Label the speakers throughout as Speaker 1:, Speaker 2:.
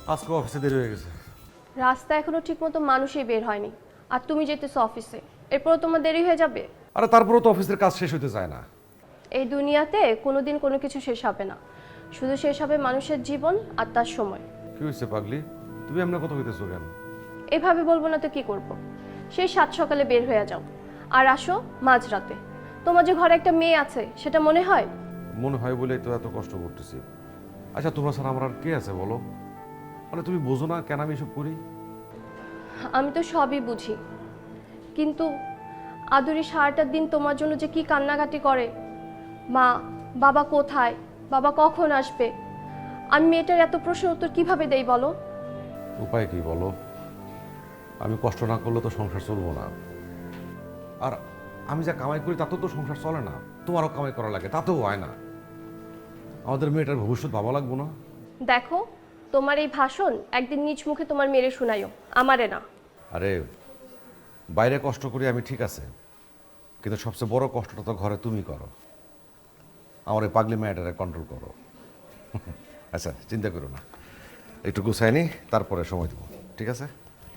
Speaker 1: আজকে অফিসে দেরি হয়ে গেছে।
Speaker 2: রাস্তা এখনো ঠিকমতো মানুষই বের হয়নি, আর তুমি যেতেছো অফিসে, এরপরও তোমার দেরি হয়ে যাবে।
Speaker 1: আরে তারপরেও তো অফিসের কাজ শেষ হতে চায় না।
Speaker 2: এই দুনিয়াতে কোনোদিন কোনো কিছু শেষ হবে না, শুধু শেষ হবে মানুষের জীবন আর তার সময়।
Speaker 1: কি হয়েছে পাগলি, তুমি এমন কথা হইতেছো কেন?
Speaker 2: এভাবে বলবো না তো কি করব। সেই 7 সকালে বের হয়ে যাও আর আসো মাঝরাতে। তোমার যে ঘরে একটা মেয়ে আছে সেটা মনে হয়?
Speaker 1: মনে হয় বলেই তো এত কষ্ট করতেছি। আচ্ছা তোমরা ছাড়া আমার আর কে আছে বলো? মানে তুমি বোঝো না কেন আমি এসব করি?
Speaker 2: আমি তো সবই বুঝি, কিন্তু আদুরি সারাটা দিন তোমার জন্য যে কি কান্নাকাটি করে। মা, বাবা কোথায়, বাবা কখন আসবে, আমি মেয়েটার এত প্রশ্নের উত্তর কিভাবে দেই বলো?
Speaker 1: উপায় কি বলো? আমি কষ্ট না করলে তো সংসার চলবো না। আর আমি যা কামাই করি তাতেও তো সংসার চলে না। তোমারও কামাই করা লাগে, তাতেও হয় না। আমাদের মেয়েটার ভবিষ্যৎ ভাবা লাগবো না?
Speaker 2: দেখো, তোমার এই ভাষণ একদিন নিজ মুখে তোমার মেরে শোনাইও, আমারে না।
Speaker 1: আরে বাইরে কষ্ট করি আমি, ঠিক আছে, কিন্তু সবচেয়ে বড় কষ্টটা তো ঘরে তুমি করো। আমার এই পাগলি মেয়েটারে কন্ট্রোল করো। আচ্ছা চিন্তা করো না, একটু গুছাই নি, তারপরে সময় দেবো, ঠিক আছে?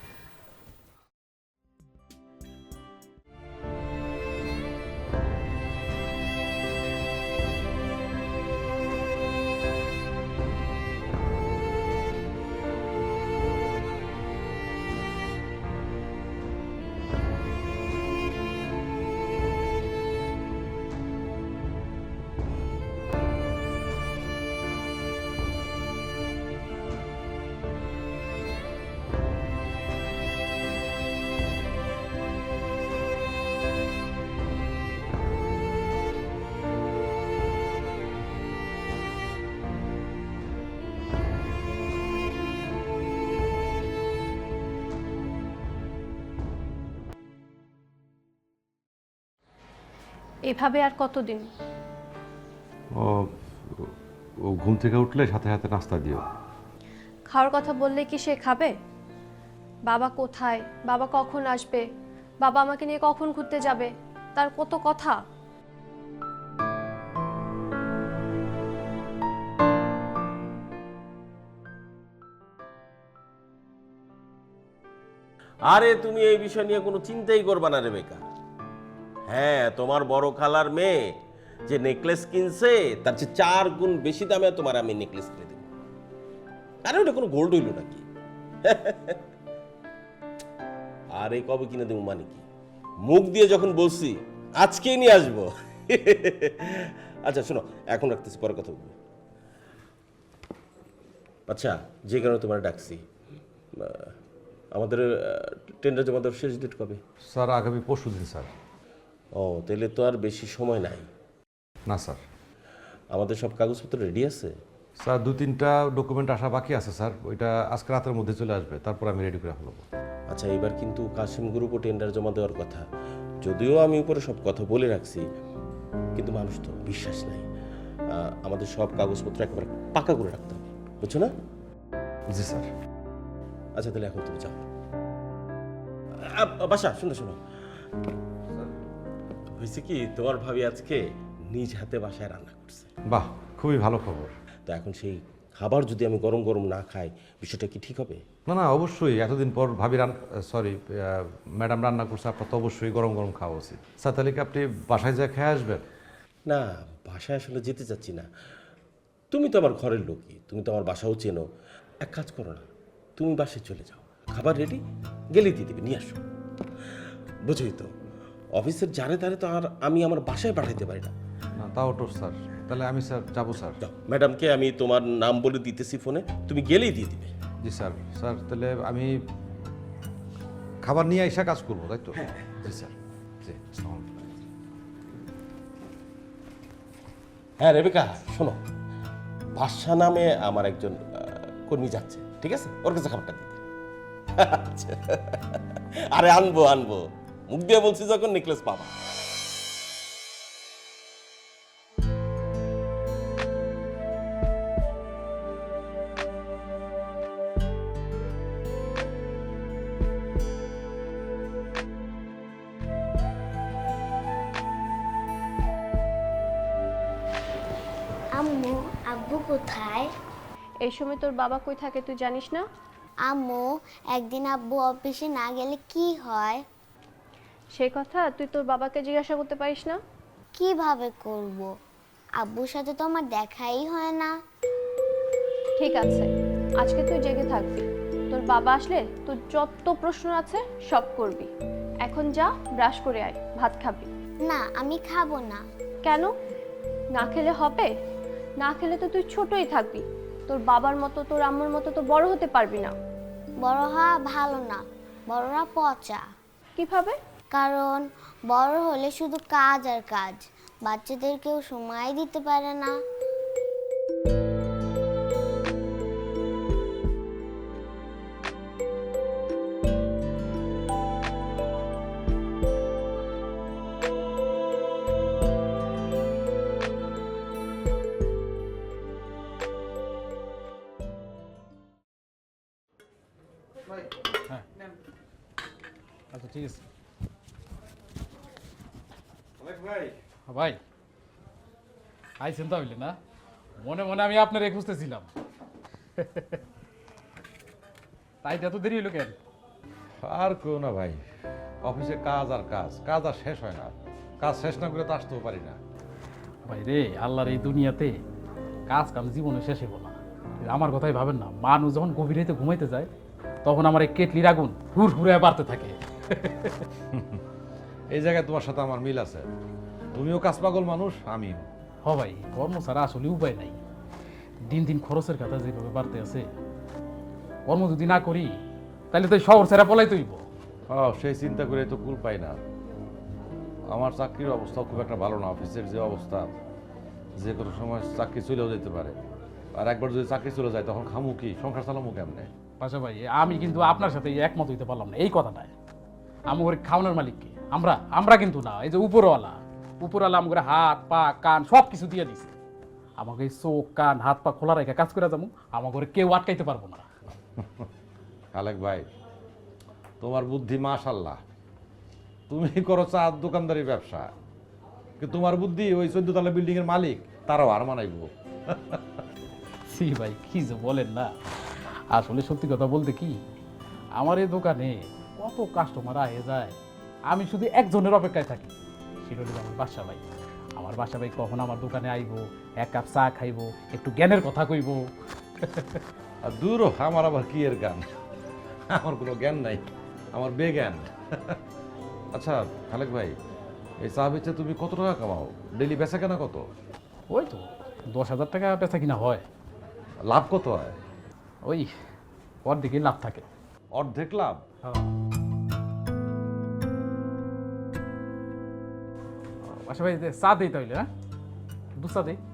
Speaker 2: এভাবে আর কতদিন?
Speaker 1: ও ও ঘুম থেকে উঠলে সাথে সাথে নাস্তা দিও।
Speaker 2: খাওয়ার কথা বললে কি সে খাবে? বাবা কোথায়, বাবা কখন আসবে, বাবা আমাকে নিয়ে কখন ঘুরতে যাবে, তার কত কথা।
Speaker 3: আরে তুমি এই বিষয় নিয়ে কোনো চিন্তাই করবা না রেবেকা। হ্যাঁ, তোমার বড় খালার মেয়ে যে নেকলেস কিনছে তার চেয়ে 4 গুণ বেশি দামে তোমার আমি নেকলেস কিনে দেবো। আরে ওটা কোনো গোল্ড হইল নাকি? আরে কবে কিনে দেবো মানে কি? মুখ দিয়ে যখন বলছি আজকেই নিয়ে আসবো। আচ্ছা শোনো, এখন রাখতেছি, পরে কথা বলবো। আচ্ছা, যে কারণে তোমার ডাকছি, আমাদের টেন্ডার জমা দেওয়ার শেষ ডেট কবে?
Speaker 1: স্যার আগামী পরশু দিন স্যার।
Speaker 3: ও, তাহলে তো আর বেশি সময় নাই।
Speaker 1: না স্যার।
Speaker 3: আমাদের সব কাগজপত্র রেডি আছে?
Speaker 1: স্যার 2-3টা ডকুমেন্ট আসা বাকি আছে স্যার, ওইটা আজকে রাতের মধ্যে চলে আসবে, তারপর আমি রেডি করে ফেলবো।
Speaker 3: আচ্ছা, এবার কিন্তু কাশিম গ্রুপও টেন্ডার জমা দেওয়ার কথা। যদিও আমি উপরে সব কথা বলে রাখছি, কিন্তু মানুষ তো বিশ্বাস নাই। আমাদের সব কাগজপত্র একেবারে পাকা করে রাখতে হবে, বুঝছো না?
Speaker 1: জি স্যার।
Speaker 3: আচ্ছা তাহলে এখন তুমি যাও। বাসা শুনো শোনো, হয়েছে কি, তোমার ভাবি আজকে নিজ হাতে বাসায় রান্না করছে।
Speaker 1: বাহ, খুবই ভালো খবর।
Speaker 3: তো এখন সেই খাবার যদি আমি গরম গরম না খাই, বিষয়টা কি ঠিক হবে?
Speaker 1: না না, অবশ্যই এতদিন পর ভাবি ম্যাডাম রান্না করছে, আপনার তো অবশ্যই গরম গরম খাওয়া উচিত। স্যার তাহলে কি আপনি বাসায় যা খেয়ে আসবেন?
Speaker 3: না, বাসায় আসলে যেতে চাচ্ছি না। তুমি তো আমার ঘরের লোকই, তুমি তো আমার বাসাও চেনো। এক কাজ করো না, তুমি বাসায় চলে যাও, খাবার রেডি, গেলেই দিয়ে দিবে, নিয়ে আসো। বুঝোই তো, অফিসের জারে তারে তো আর আমি আমার বাসায় পাঠাইতে পারি না।
Speaker 1: না তাও তো স্যার, তাহলে আমি স্যার যাবো স্যার।
Speaker 3: যাও, ম্যাডামকে আমি তোমার নাম বলে দিতেছি ফোনে, তুমি গেলেই দিয়ে দিবে।
Speaker 1: জি স্যার। স্যার তাহলে আমি খাবার নিয়ে এসে কাজ করবো, তাই তো? জি স্যার। জি, আসসালামু আলাইকুম।
Speaker 3: হ্যাঁ রেবেকা, শোনো, বাদশা নামে আমার একজন কর্মী যাচ্ছে, ঠিক আছে? ওর কাছে খাবারটা দিতে। আচ্ছা। আরে আনবো আনবো, মুখ দিয়ে বলছি যখন, নেকলেস পাবা।
Speaker 4: আম্মু, আব্বু কোথায়?
Speaker 2: এই সময় তোর বাবা কই থাকে তুই জানিস না?
Speaker 4: আম্মু, একদিন আব্বু অফিসে না গেলে কি হয়?
Speaker 2: সেই কথা তুই তোর বাবাকে জিজ্ঞাসা করতে পারিস না?
Speaker 4: কিভাবে করব? আব্বুর সাথে তো আমার দেখাই হয় না।
Speaker 2: ঠিক আছে, আজকে তুই জেগে থাকবি। তোর বাবা আসলে তোর যত প্রশ্ন আছে সব করবি। এখন যা, ব্রাশ করে আয়, ভাত খাবি।
Speaker 4: না, আমি খাবো না।
Speaker 2: কেন? না খেলে হবে? না খেলে তো তুই ছোটই থাকবি। তোর বাবার মতো তোর আম্মুর মতো তো বড় হতে পারবি না।
Speaker 4: বড় হওয়া ভালো না, বড়রা পচা।
Speaker 2: কিভাবে?
Speaker 4: কারণ বড় হলে শুধু কাজ আর কাজ, বাচ্চাদের কেউ সময় দিতে পারে না।
Speaker 5: আচ্ছা ঠিক আছে
Speaker 1: ভাই
Speaker 5: ভাই আইছেন তো হইলে না, মনে মনে আমি আপনার খুঁজতেছিলাম। তাই এত দেরি হলো কেন?
Speaker 1: আর কেউ না ভাই, অফিসে কাজ আর কাজ, কাজ আর শেষ হয় না। কাজ শেষ না করে তো আসতেও পারি না।
Speaker 5: ভাই রে, আল্লাহর এই দুনিয়াতে কাজ কাম জীবনে শেষ হবো না। আমার কথাই ভাবেন না, মানুষ যখন গভীর রাতে ঘুমাইতে যায় তখন আমার এই কেটলির আগুন হুর হুরে বাড়তে থাকে।
Speaker 1: এই জায়গায় তোমার সাথে আমার মিল আছে। তুমিও কাজ পাগল মানুষ, আমিও।
Speaker 5: হ ভাই, কর্ম ছাড়া আসলে উপায় নাই। দিন দিন খরচের কথা যেভাবে বাড়তে আছে, কর্ম যদি না করি তাহলে তো এই শহর ছেড়া পলাই তৈব।
Speaker 1: সেই চিন্তা করে তো কুল পাই না। আমার চাকরির অবস্থা খুব একটা ভালো না। অফিসের যে অবস্থা, যে কোনো সময় চাকরি চলেও যেতে পারে। আর একবার যদি চাকরি চলে যায় তখন খামু কি, সংসার চালামু কেমনে?
Speaker 5: পাশা ভাই, আমি কিন্তু আপনার সাথে একমত হইতে পারলাম না এই কথাটায়। আমি ওর খাওয়ানোর মালিককে আমরা আমরা কিন্তু না, এই যে উপরওয়ালা আমাকে হাত পা কান সব কিছু দিয়ে দিছে। আমাকে এই চোখ কান হাত পা খোলা রেখে কাজ করে যাবো, আমাকে ওরে কেউ আটকাইতে পারবো না।
Speaker 1: আলেক ভাই, তোমার বুদ্ধি মাশাল্লাহ। তুমি করো চা দোকানদারি ব্যবসা, কিন্তু তোমার বুদ্ধি ওই 14 তলা বিল্ডিং এর মালিক তারাও আর মানাইবো।
Speaker 5: সি ভাই, কি যে বলেন না। আসলে সত্যি কথা বলতে কি, আমার এই দোকানে কত কাস্টমার আয়ে যায়, আমি শুধু একজনের অপেক্ষায় থাকি। সেটা হলো আমার বাসা ভাই। আমার বাসা ভাই কখন আমার দোকানে আইবো, এক কাপ চা খাইবো, একটু জ্ঞানের কথা কইবো।
Speaker 1: আর দূর হ, আমার আবার কি এর জ্ঞান? আমার কোনো জ্ঞান নাই, আমার বেজ্ঞান। আচ্ছা খালেক ভাই, এই চা বেচে তুমি কত টাকা কামাও? ডেইলি বেচা কেনা কত?
Speaker 5: ওই তো 10,000 টাকা বেচা কিনা হয়।
Speaker 1: লাভ কত হয়?
Speaker 5: ওই অর্ধেকই লাভ থাকে।
Speaker 1: অর্ধেক লাভ?
Speaker 5: আচ্ছা ভাই, চা দিই তাইলে, হ্যাঁ, দু চা দিই।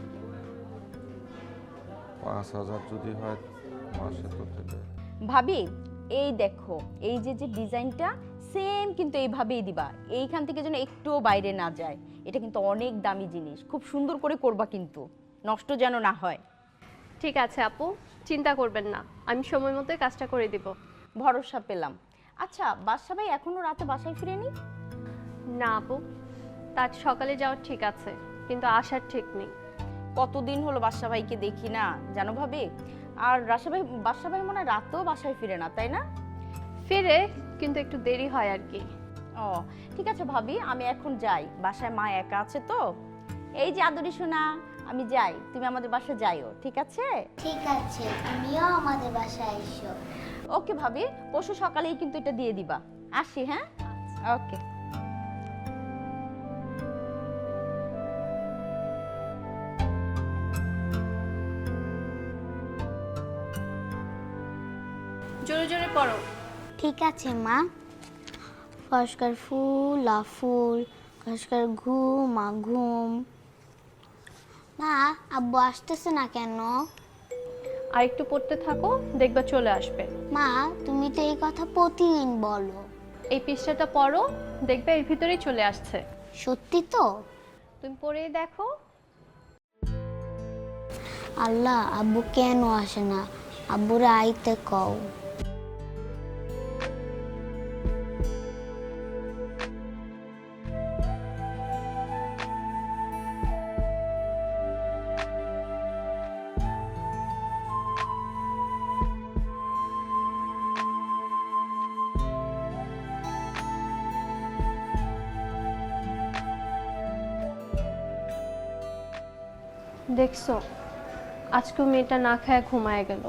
Speaker 1: 5,000 যদি হয় মাসে তো দিলে।
Speaker 6: ভাবি, এই দেখো, এই যে যে ডিজাইনটা সেম কিন্তু এইভাবেই দিবা, এইখান থেকে যেন একটুও বাইরে না যায়। এটা কিন্তু অনেক দামি জিনিস, খুব সুন্দর করে করবা কিন্তু, নষ্ট যেন না হয়।
Speaker 2: ঠিক আছে আপু, চিন্তা করবেন না, আমি সময় মতো কাজটা করে দিব।
Speaker 6: ভরসা পেলাম। আচ্ছা, বাদশা ভাই এখনো রাতে বাসায় ফিরেনি?
Speaker 2: না আপু, তার সকালে যাওয়ার ঠিক আছে, কিন্তু আসার ঠিক নেই।
Speaker 6: কতদিন হলো বাদশা ভাইকে দেখি না জানো ভাবি। আর বাদশা ভাই মনে হয় রাতেও বাসায় ফিরে না, তাই না?
Speaker 2: ফিরে, কিন্তু একটু দেরি হয় আর কি।
Speaker 6: ও ঠিক আছে ভাবি, আমি এখন যাই, বাসায় মা একা আছে তো। এই যে আদরি সোনা, আমি যাই, তুমি আমাদের বাসায় যাইও, ঠিক আছে?
Speaker 4: ঠিক আছে, তুমিও আমাদের বাসায় এসো।
Speaker 6: ওকে ভাবি, পরশু সকালেই কিন্তু এটা দিয়ে দিবা। আসি, হ্যাঁ? ওকে।
Speaker 2: জোরে জোরে পড়ো।
Speaker 4: ঠিক আছে মা। ফসকার ফুল আ ফুল, ফসকার ঘুম আ ঘুম। মা, আব্বু আসতেছে না কেন?
Speaker 2: আর একটু পড়তে থাকো, দেখবা চলে আসবে।
Speaker 4: মা, তুমি তো এই কথা প্রতিদিন বলো।
Speaker 2: এই পৃষ্ঠাটা পড়ো, দেখবে এর ভিতরেই চলে আসছে।
Speaker 4: সত্যি তো?
Speaker 2: তুমি পড়েই দেখো।
Speaker 4: আল্লাহ, আব্বু কেন আসে না? আব্বুরে আইতে কও।
Speaker 2: দেখছো আজকেও মেয়েটা না খায় ঘুমায় গেল।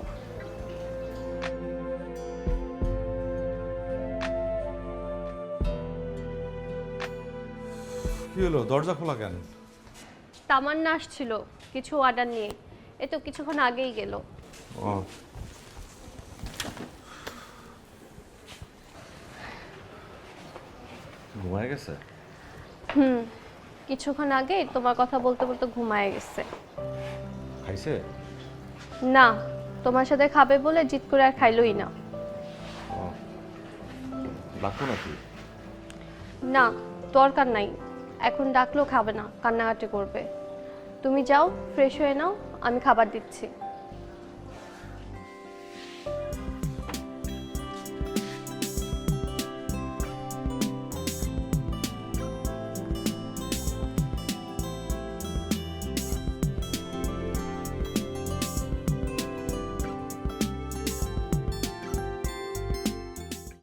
Speaker 7: কি হলো, দরজা খোলা কেন?
Speaker 2: তামান্না আসছিল কিছু অর্ডার নিয়ে, এ তো কিছুক্ষণ আগেই গেল।
Speaker 7: ও,
Speaker 1: ঘুমায় গেছে?
Speaker 2: কিছুক্ষণ আগে তোমার কথা বলতে বলতে ঘুমায় গেছে।
Speaker 1: খাইছে?
Speaker 2: না, তোমার সাথে খাবে বলে জিদ করে আর খাইলই না।
Speaker 1: ডাকো নাকি?
Speaker 2: না, দরকার নাই, এখন ডাকলেও খাবে না, কান্নাকাটি করবে। তুমি যাও, ফ্রেশ হয়ে নাও, আমি খাবার দিচ্ছি।